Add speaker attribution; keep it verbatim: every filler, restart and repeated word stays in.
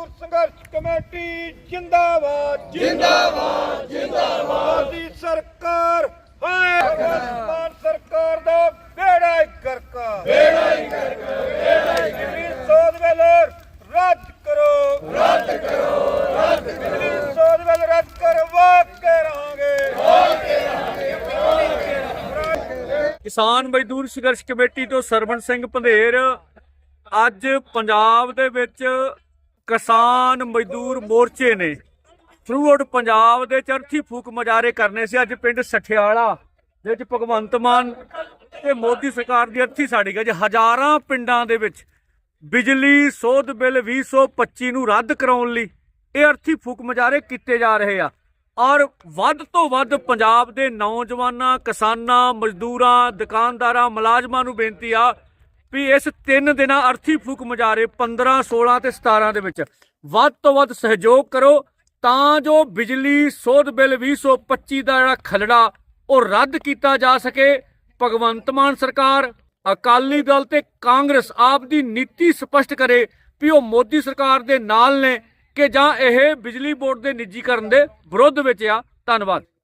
Speaker 1: संघर्ष कमेटी जिंदाबाद जिंदाबाद जिंदाबाद मोदी सरकार हाय भगवंत सरकार दा बेड़ा ही करका बेड़ा ही करका बेड़ा ही करका सोध बिल रद्द करो रद्द करो रद्द करो सोध बिल रद्द करवा के रहांगे
Speaker 2: किसान मजदूर संघर्ष कमेटी तो सरवण सिंह पंधेर ਅੱਜ ਪੰਜਾਬ ਦੇ ਵਿੱਚ ਕਿਸਾਨ ਮਜ਼ਦੂਰ ਮੋਰਚੇ ਨੇ ਥਰੂ ਆਊਟ ਪੰਜਾਬ ਦੇ ਚਰਥੀ ਫੂਕ ਮੁਜ਼ਾਹਰੇ ਕਰਨੇ ਸੀ। ਅੱਜ ਪਿੰਡ ਸਠਿਆਲਾ ਦੇ ਵਿੱਚ ਭਗਵੰਤ ਮਾਨ ਤੇ ਮੋਦੀ ਸਰਕਾਰ ਦੀ ਅਰਥੀ ਸਾੜੀ ਗਈ। ਹਜ਼ਾਰਾਂ ਪਿੰਡਾਂ ਦੇ ਵਿੱਚ ਬਿਜਲੀ ਸੋਧ ਬਿੱਲ ਵੀਹ ਸੌ ਪੱਚੀ ਨੂੰ ਰੱਦ ਕਰਾਉਣ ਲਈ ਇਹ ਅਰਥੀ ਫੂਕ ਮੁਜ਼ਾਹਰੇ ਕੀਤੇ ਜਾ ਰਹੇ ਆ ਔਰ ਵੱਧ ਤੋਂ ਵੱਧ ਪੰਜਾਬ ਦੇ ਨੌਜਵਾਨਾਂ ਕਿਸਾਨਾਂ ਮਜ਼ਦੂਰਾਂ ਦੁਕਾਨਦਾਰਾਂ ਮੁਲਾਜ਼ਮਾਂ ਨੂੰ ਬੇਨਤੀ ਆ ਵੀ ਇਸ ਤਿੰਨ ਦਿਨਾਂ ਅਰਥੀ ਫੂਕ ਮੁਜ਼ਾਹਰੇ ਪੰਦਰਾਂ ਸੋਲਾਂ ਤੇ ਸਤਾਰਾਂ ਦੇ ਵਿੱਚ ਵੱਧ ਤੋਂ ਵੱਧ ਸਹਿਯੋਗ ਕਰੋ ਤਾਂ ਜੋ ਬਿਜਲੀ ਸੋਧ ਬਿੱਲ ਵੀਹ ਸੌ ਪੱਚੀ ਦਾ ਜਿਹੜਾ ਖਲੜਾ ਉਹ ਰੱਦ ਕੀਤਾ ਜਾ ਸਕੇ। ਭਗਵੰਤ ਮਾਨ ਸਰਕਾਰ ਅਕਾਲੀ ਦਲ ਤੇ ਕਾਂਗਰਸ ਆਪ ਦੀ ਨੀਤੀ ਸਪਸ਼ਟ ਕਰੇ ਵੀ ਉਹ ਮੋਦੀ ਸਰਕਾਰ ਦੇ ਨਾਲ ਨੇ ਕਿ ਜਾਂ ਇਹ ਬਿਜਲੀ ਬੋਰਡ ਦੇ ਨਿੱਜੀਕਰਨ ਦੇ ਵਿਰੁੱਧ ਵਿੱਚ ਆ। ਧੰਨਵਾਦ।